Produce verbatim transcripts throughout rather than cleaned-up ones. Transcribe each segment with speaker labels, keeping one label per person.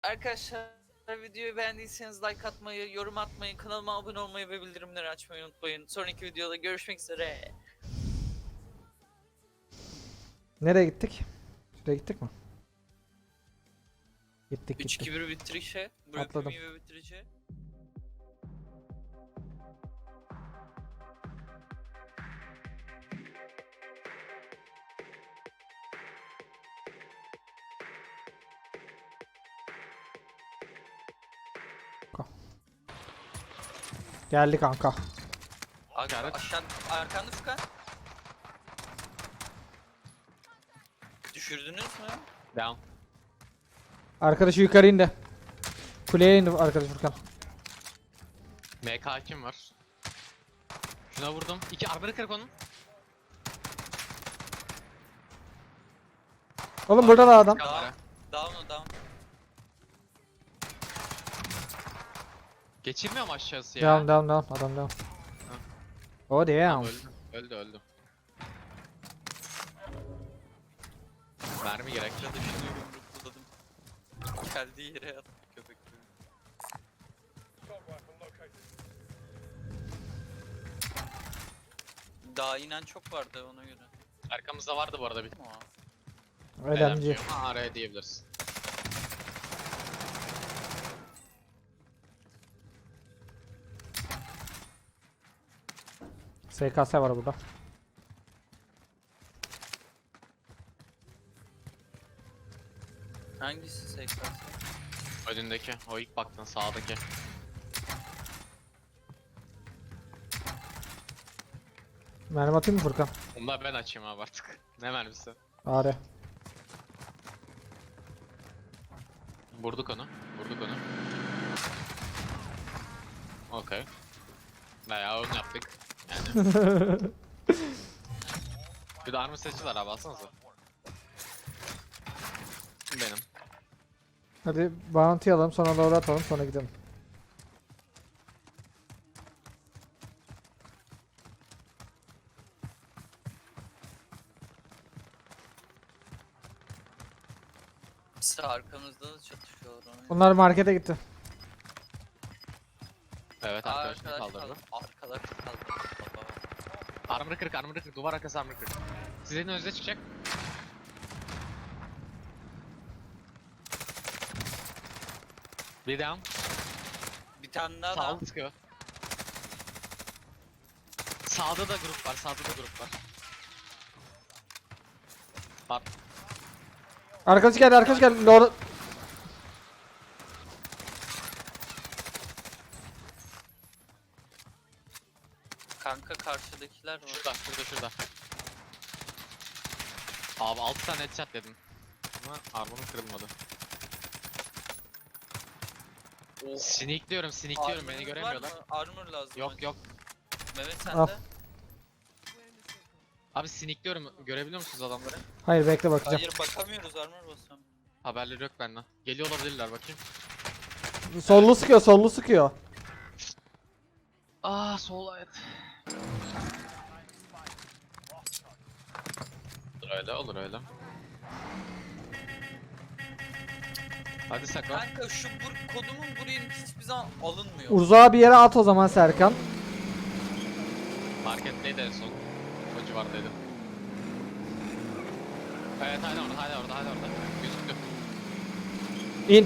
Speaker 1: Arkadaşlar videoyu beğendiyseniz like atmayı, yorum atmayı, kanalıma abone olmayı ve bildirimleri açmayı unutmayın. Sonraki videoda görüşmek üzere.
Speaker 2: Nereye gittik? Şuraya gittik mi? Gittik
Speaker 1: üç
Speaker 2: gittik.
Speaker 1: iki bir bitirişe, bırakım
Speaker 2: Atladım.
Speaker 1: iyi ve bitirişe.
Speaker 2: Geldi kanka.
Speaker 1: Aga,
Speaker 3: Evet.
Speaker 1: aşağı, arkanda Furkan. Düşürdünüz mü?
Speaker 3: Down.
Speaker 2: Arkadaşı yukarı indi. Kuleye indi arkadaş Furkan.
Speaker 3: M K kim var? Şuna vurdum. İki armor'ı kırık onun.
Speaker 2: Oğlum burada da adam.
Speaker 3: Kamera.
Speaker 1: Down o down.
Speaker 3: Geçirmiyor mu aşağısı ya?
Speaker 2: Down down down adam down. Oh damn.
Speaker 3: Öldü. Öldü öldü. Mermi gerek.
Speaker 1: Aşağıda şunu yumrukladım. Geldiği yere yattı köpek gibi. Daha inen çok vardı ona göre.
Speaker 3: Arkamızda vardı bu arada bir.
Speaker 1: Aa.
Speaker 2: Önemli.
Speaker 3: Ama araya diyebiliriz.
Speaker 2: S K S var burada.
Speaker 1: Hangisi S K S?
Speaker 3: Önündeki. O ilk baktın sağdaki.
Speaker 2: Mermi atayım mı Furkan?
Speaker 3: Onu da ben açayım abi artık. Ne mermisi?
Speaker 2: Are.
Speaker 3: Vurduk onu. Vurduk onu. Okey. Bayağı onu yaptık. Yani. Bir de armor seçiler abi alsanıza. Benim.
Speaker 2: Hadi bounty alalım sonra doğru atalım sonra gidelim.
Speaker 1: Sağ arkamızda da çatışıyorlar ona.
Speaker 2: Bunlar markete gitti.
Speaker 3: Evet
Speaker 1: Aa,
Speaker 3: arkadaşını
Speaker 1: arkadaş
Speaker 3: kaldırdı.
Speaker 1: kaldı. Arkadaş kaldı. Baba.
Speaker 3: Armor kırık, armor kırık, duvar arkası armor kırık. Sizin önünüze çıkacak. Bir down.
Speaker 1: Bir tane daha
Speaker 3: Sağ
Speaker 1: da.
Speaker 3: sıkıyor. Sağda da grup var, sağda da grup var. Var.
Speaker 2: Arkadaş geldi arkadaş geldi. Doğru.
Speaker 1: Kanka karşıdakiler var.
Speaker 3: Şurada, şurada, şurada. Abi altı tane headshot dedim. Ama armorum kırılmadı.
Speaker 1: Oh.
Speaker 3: Sneakliyorum, sneakliyorum beni
Speaker 1: Armor'ınız
Speaker 3: göremiyorlar.
Speaker 1: var mı? Armor lazım.
Speaker 3: Yok
Speaker 1: önce.
Speaker 3: yok.
Speaker 1: Mehmet
Speaker 2: Al.
Speaker 1: sende.
Speaker 3: Abi sneakliyorum, görebiliyor musunuz adamları?
Speaker 2: Hayır bekle bakacağım.
Speaker 1: Hayır bakamıyoruz armor basam.
Speaker 3: Haberleri yok benden. Geliyor olabilirler bakayım.
Speaker 2: Sollu sıkıyor sollu sıkıyor.
Speaker 3: Aa sol evet. Olur öyle, olur öyle. Hadi Sako.
Speaker 1: Kanka şu bur kodumun buraya hiçbir zaman alınmıyor.
Speaker 2: Uzağa bir yere at o zaman Serkan.
Speaker 3: Marketteydi en son. O civardaydı. Evet hala orada, hala orada, hala orada. Gözüktü.
Speaker 2: İn.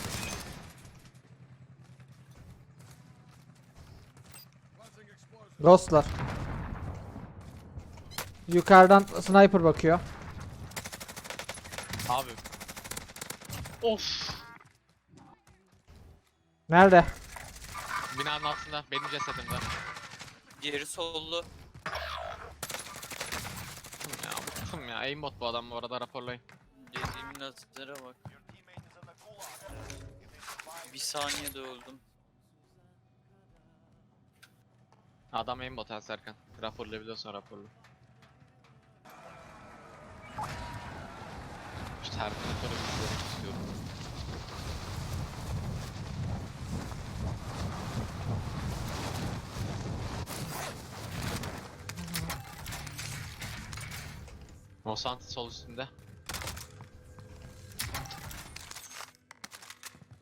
Speaker 2: Ghostlar. Yukarıdan sniper bakıyor.
Speaker 3: Abi. Of.
Speaker 2: Nerede?
Speaker 3: Binanın altında, benim cesedimde.
Speaker 1: Diğeri sollu.
Speaker 3: Bıktım ya, bıktım ya. Aimbot bu adam bu arada, raporlayın.
Speaker 1: Dediğimin atlara bak. Bir saniyede öldüm.
Speaker 3: Adam aimbot ha Serkan. Raporlayabiliyorsan raporla. Şu Terminator'u izlemek istiyorum. Monsanto sol üstünde.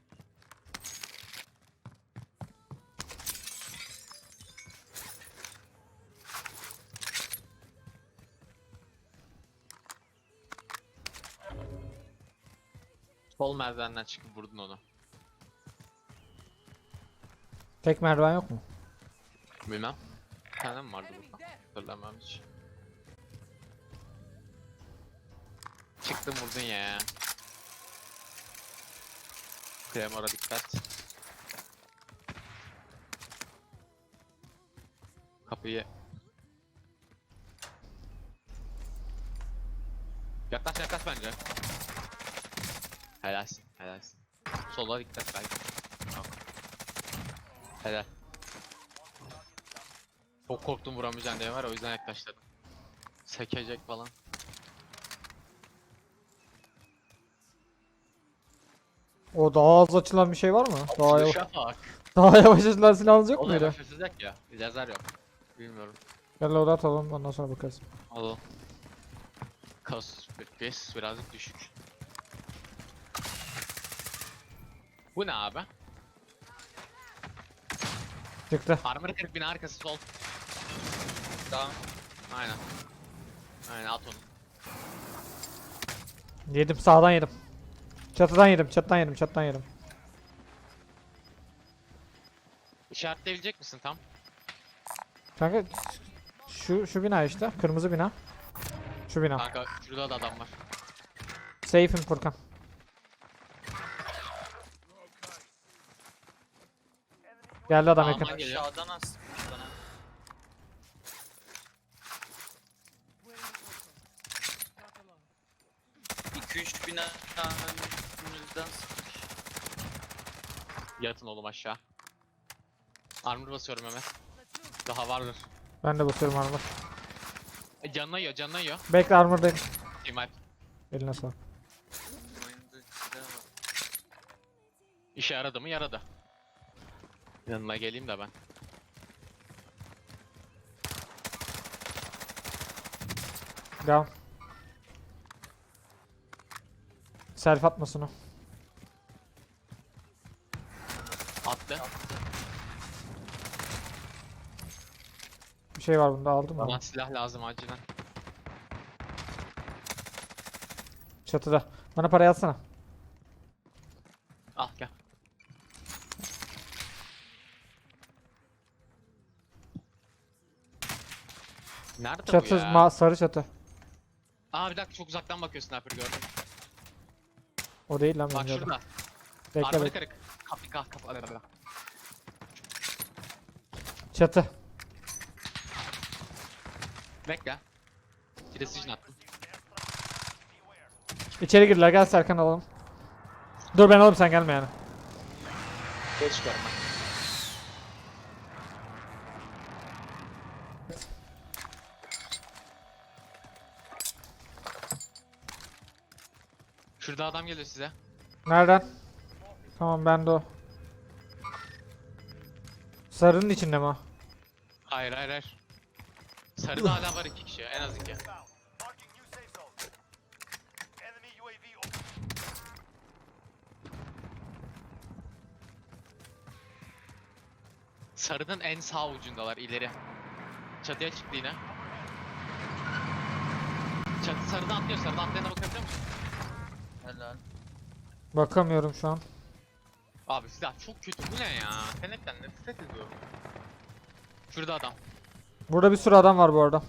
Speaker 3: Sol merdivenden çıkıp vurdun onu.
Speaker 2: Tek merdiven yok mu?
Speaker 3: Bilmem. Bir tane mi vardı burada? Hatırlamam hiç. Çıktın vurdun ya. Kremora dikkat. Kapıyı. Yaklaş yaklaş bence. Helalsin helalsin. Sola dikkat belki. Tamam. Helal. Çok korktum vuramayacağım diye var o yüzden yaklaştırdım. Sekecek falan.
Speaker 2: O daha az açılan bir şey var mı? Daha yavaş,
Speaker 3: Dışa bak.
Speaker 2: daha yavaş açılan silahınız yok
Speaker 3: O da
Speaker 2: muydu?
Speaker 3: yavaş açılacak ya. Lazer yok. Bilmiyorum.
Speaker 2: Gel loadout atalım ondan sonra bakarız.
Speaker 3: Al. Kas pes birazcık düşük. Bu ne abi?
Speaker 2: Çıktı.
Speaker 3: Armor kırk bina arkası sol.
Speaker 1: Tamam.
Speaker 3: Aynen. Aynen at onu.
Speaker 2: Yedim sağdan yedim. Çatıdan yedim çatıdan yedim çatıdan yedim.
Speaker 3: İşaretleyebilecek misin tam?
Speaker 2: Kanka şu şu bina işte kırmızı bina. Şu bina.
Speaker 3: Kanka şurada da adam var.
Speaker 2: Safe'im Furkan. Geldi adam
Speaker 3: Aman
Speaker 2: yakın.
Speaker 3: geliyor.
Speaker 1: Aşağıdan astım bana. iki üç bina önümüzden sıkmış.
Speaker 3: Yatın oğlum aşağı. Armor basıyorum hemen. Daha vardır.
Speaker 2: Ben de basıyorum armor.
Speaker 3: E, canına yiyor canına yiyor.
Speaker 2: Bekle armordayım.
Speaker 3: İmal.
Speaker 2: Eline sağlık.
Speaker 1: Oyunda silah var.
Speaker 3: İşe yaradı mı yaradı. Yanına geleyim de ben.
Speaker 2: Devam. Self atmasın o.
Speaker 3: Attı.
Speaker 2: Bir şey var bunda aldım
Speaker 3: Bana
Speaker 2: mı?
Speaker 3: silah lazım acilen.
Speaker 2: Çatıda. Bana parayı atsana.
Speaker 3: Al gel. Nerede
Speaker 2: Çatı
Speaker 3: bu ya?
Speaker 2: ma sarı çatı.
Speaker 3: Aa bir dakika çok uzaktan bakıyor sniper gördüm.
Speaker 2: O değil lan
Speaker 3: Bak
Speaker 2: benim gördüm.
Speaker 3: şurada.
Speaker 2: Bekle
Speaker 3: Armoru
Speaker 2: bekle.
Speaker 3: kırık. Kapı kapı kapı. Hadi, hadi.
Speaker 2: Çatı.
Speaker 3: Bekle. Precision attım.
Speaker 2: İçeri girdiler gel Serkan alalım. Dur ben alayım sen gelme yani.
Speaker 3: Geç görme. Şurada adam geliyor size.
Speaker 2: Nereden? Tamam ben de o. Sarının içinde mi o?
Speaker 3: Hayır hayır hayır. Sarıda hala var iki kişi en az iki.
Speaker 4: Marking new safe zone. Enemy U A V over.
Speaker 3: Sarının en sağ ucundalar ileri. Çatıya çıktı yine. Çatı sarıda atlıyor sarıda atlayana bakabiliyor musun?
Speaker 1: Helal.
Speaker 2: Bakamıyorum şu an.
Speaker 3: Abi silah çok kötü bu ne ya? Senekten nefret ediyorum. Şurada adam.
Speaker 2: Burada bir sürü adam var bu arada.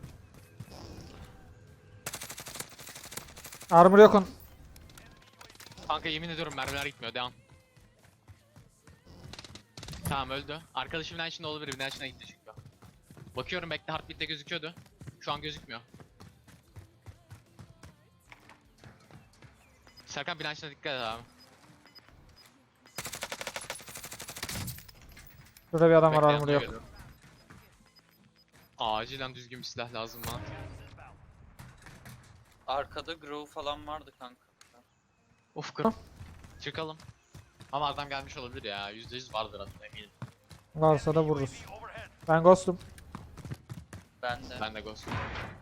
Speaker 2: Armor yok onun.
Speaker 3: Kanka yemin ediyorum mermiler gitmiyor devam. Tamam öldü. Arkadaşım binen içinde olabilir binen içine gitti çünkü. Bakıyorum bekle heartbeat'te gözüküyordu. Şu an gözükmüyor. Serkan binen içine dikkat et abi.
Speaker 2: Burada bir adam var
Speaker 3: Bekle,
Speaker 2: armor
Speaker 3: yanına
Speaker 2: yok.
Speaker 3: geliyorum. Acilen düzgün bir silah lazım bana.
Speaker 1: Arkada Grove falan vardı kanka.
Speaker 3: Of kır. Çıkalım. Ama adam gelmiş olabilir ya. yüzde yüz vardır aslında eminim.
Speaker 2: Varsa da vururuz.
Speaker 4: U A V overhead.
Speaker 2: Ben ghostum.
Speaker 1: Ben de.
Speaker 3: Ben de ghost.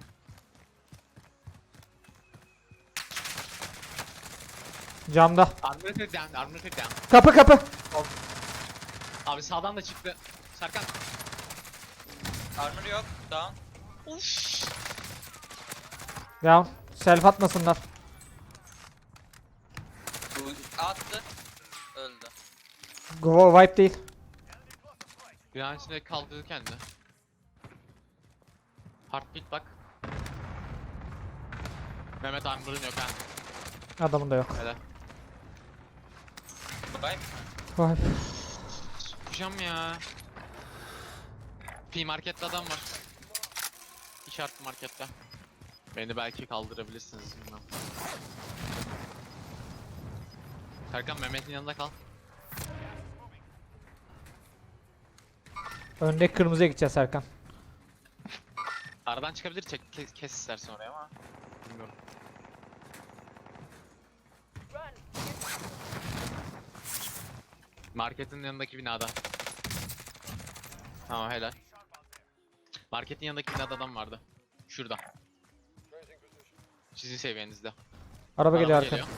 Speaker 2: Camda.
Speaker 3: Armor kırık down, armor kırık down.
Speaker 2: Kapı kapı.
Speaker 3: Abi sağdan da çıktı. Serkan.
Speaker 1: Armor yok. Down.
Speaker 3: Uff.
Speaker 2: Down. Self atmasınlar.
Speaker 1: Bu attı. Öldü.
Speaker 2: Go wipe değil.
Speaker 3: Binanın içinde kaldırdı kendini. Heartbeat bak. Mehmet Armor'un yok ha.
Speaker 2: Adamın da yok.
Speaker 3: Hele.
Speaker 1: Bye.
Speaker 2: Wipe.
Speaker 3: Sıkacağım ya. P markette adam var. İşaret markette. Beni belki kaldırabilirsiniz bilmem. Serkan Mehmet'in yanında kal.
Speaker 2: Öndeki kırmızıya gideceğiz Serkan.
Speaker 3: Aradan çıkabilir, çek kes, kes istersen oraya ama bilmiyorum. Marketin yanındaki binada. Tamam helal. Marketin yanındaki binada adam vardı. Şurada. Sizin seviyenizde.
Speaker 2: Araba geliyor
Speaker 3: Araba
Speaker 2: arkadan.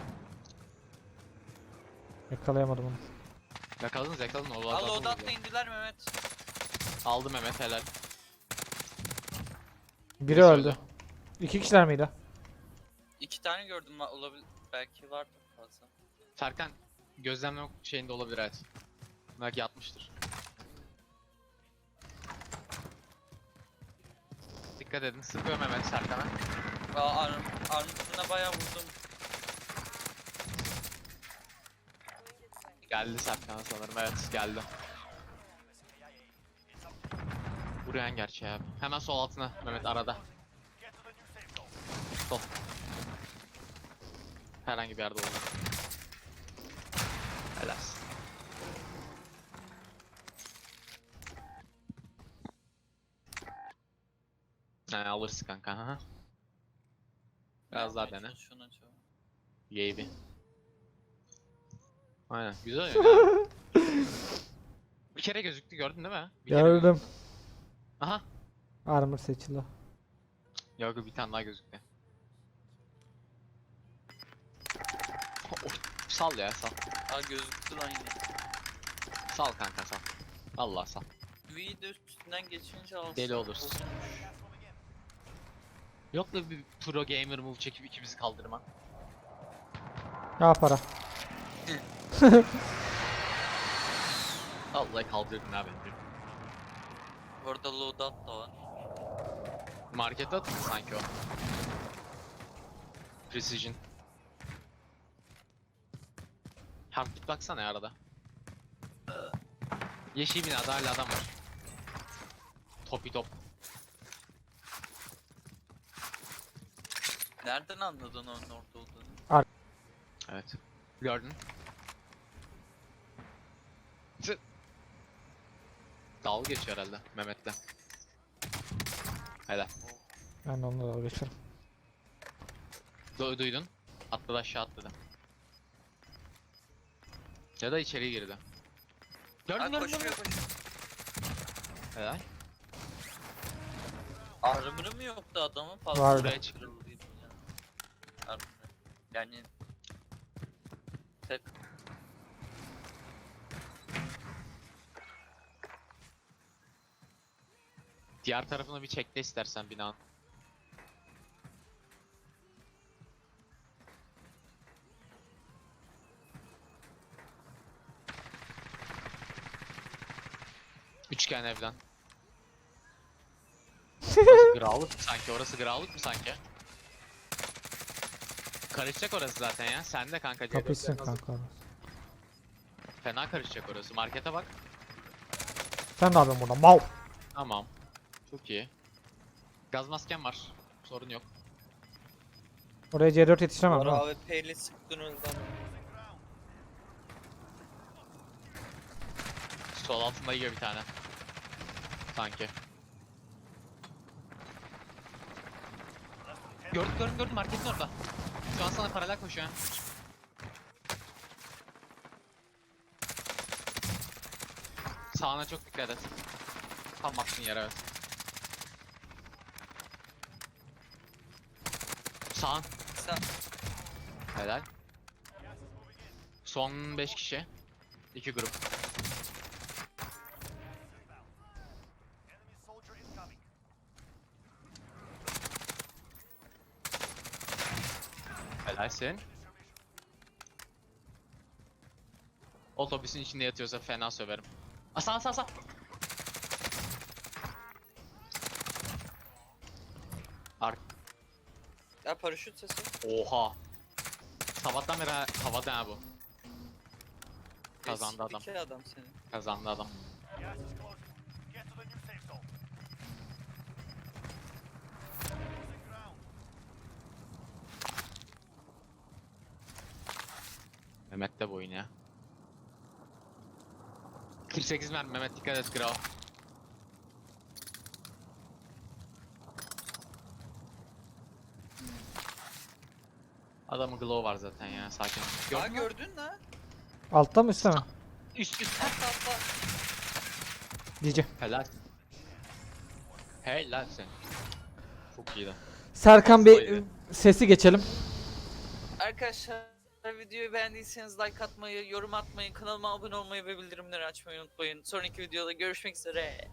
Speaker 2: Yakalayamadım onu.
Speaker 3: Yakaladınız yakaladın o
Speaker 1: Al
Speaker 3: adamı
Speaker 1: loadout'la
Speaker 3: vuruyor.
Speaker 1: indiler Mehmet.
Speaker 3: Aldı Mehmet helal.
Speaker 2: Biri
Speaker 3: Birisi
Speaker 2: öldü.
Speaker 3: öldü.
Speaker 2: İki kişiler miydi?
Speaker 1: İki tane gördüm va- olabilir. Belki vardı fazla.
Speaker 3: Serkan gözlemle şeyinde olabilir evet. Belki yatmıştır. Dikkat edin sıkıyor Mehmet Serkan'a.
Speaker 1: Aa, arm, armutuna bayağı vurdum.
Speaker 3: Geldi Serkan'a sanırım evet geldi. Buraya gerçi abi. Hemen sol altına Mehmet arada.
Speaker 4: Get to the new safe zone.
Speaker 3: Sol. Herhangi bir yerde olur. Helal. He alırsın kanka. Hı. Biraz daha dene.
Speaker 1: Şuna çok.
Speaker 3: Yeybi. Aynen güzel oyun ya. Bir kere gözüktü gördün değil mi? Bir kere
Speaker 2: Gördüm.
Speaker 3: gözüktü. Aha.
Speaker 2: Armor seçildi.
Speaker 3: Yok bir tane daha gözüktü. Oh, sal ya sal.
Speaker 1: Aa gözüktü lan yine.
Speaker 3: Sal kanka sal. Allah sal.
Speaker 1: V'yi de üstünden geçince alsın.
Speaker 3: Deli olursun.
Speaker 1: Bozulmuş.
Speaker 3: Yok da bir pro gamer move çekip ikimizi kaldırma.
Speaker 2: Ya para.
Speaker 3: Vallahi kaldırdın abi.
Speaker 1: Orada loadout da var.
Speaker 3: Markete atın sanki o. Precision. Heartbeat baksana ya arada. Yeşil binada hala adam var. Topi top.
Speaker 1: Nereden anladın onun orada olduğunu?
Speaker 3: Evet. Gördün. Tı. Dalga geçiyor herhalde Mehmet'le. Helal.
Speaker 2: Ben de onunla dalga geçiyorum.
Speaker 3: Du duydun. Atladı aşağı atladı. Ya da içeri girdi. Gördün
Speaker 1: Aa,
Speaker 3: gördün
Speaker 1: koşuyor
Speaker 3: gördün.
Speaker 1: koşuyor.
Speaker 3: Helal.
Speaker 1: Armor'ı mı yoktu adamın? Fazla
Speaker 2: Vardı.
Speaker 1: buraya çıkarıldıydı ya. Armor'ı. Yani... Tek...
Speaker 3: Diğer tarafını bir çekle istersen binanın. Üçgen evden. Orası grağlık mı sanki? Orası grağlık mı sanki? Karışacak orası zaten ya. Sen de kanka. C
Speaker 2: Kapışsın
Speaker 3: dörtlerin hazır.
Speaker 2: kanka orası.
Speaker 3: Fena karışacak orası. Markete bak.
Speaker 2: Sen ne yapıyorsun burada? Mal.
Speaker 3: Tamam. Çok iyi. Gaz masken var. Sorun yok.
Speaker 2: Oraya C dört yetiştiremem değil mi?
Speaker 1: A W P'li sıktın öldü adam.
Speaker 3: Sol altında yiyor bir tane. Sanki. Gördüm gördüm gördüm marketin orada. Şu an sana paralel koşuyor. Sağına çok dikkat et. Tam baktığın yere evet. Sağın.
Speaker 1: Sen...
Speaker 3: Helal. Son beş kişi. iki grup.
Speaker 4: Enemy soldier incoming.
Speaker 3: Helalsin. Otobüsün içinde yatıyorsa fena söverim. Aa, sağ sağ sağ. Ark.
Speaker 1: Ya paraşüt sesi.
Speaker 3: Oha. Sabahtan beri ha- havada ha bu. Kazandı adam.
Speaker 1: İki adam senin.
Speaker 3: Kazandı adam.
Speaker 4: Gas is closing. Get to the new safe zone. Losing ground.
Speaker 3: Mehmet de bu oyun ya. kırk sekiz mermi Mehmet, dikkat et Grau. Adamın glow var zaten ya, sakin ol.
Speaker 1: Aa
Speaker 3: Gördün mü?
Speaker 1: gördün lan.
Speaker 2: Altta mı üstte mi?
Speaker 3: Üst üst.
Speaker 1: Atla atla.
Speaker 2: Diyeceğim.
Speaker 3: Helal. Helal sen. Çok iyiydi.
Speaker 2: Serkan Bey
Speaker 3: Hastaydı.
Speaker 2: sesi geçelim.
Speaker 1: Arkadaşlar videoyu beğendiyseniz like atmayı, yorum atmayı, kanalıma abone olmayı ve bildirimleri açmayı unutmayın. Sonraki videoda görüşmek üzere.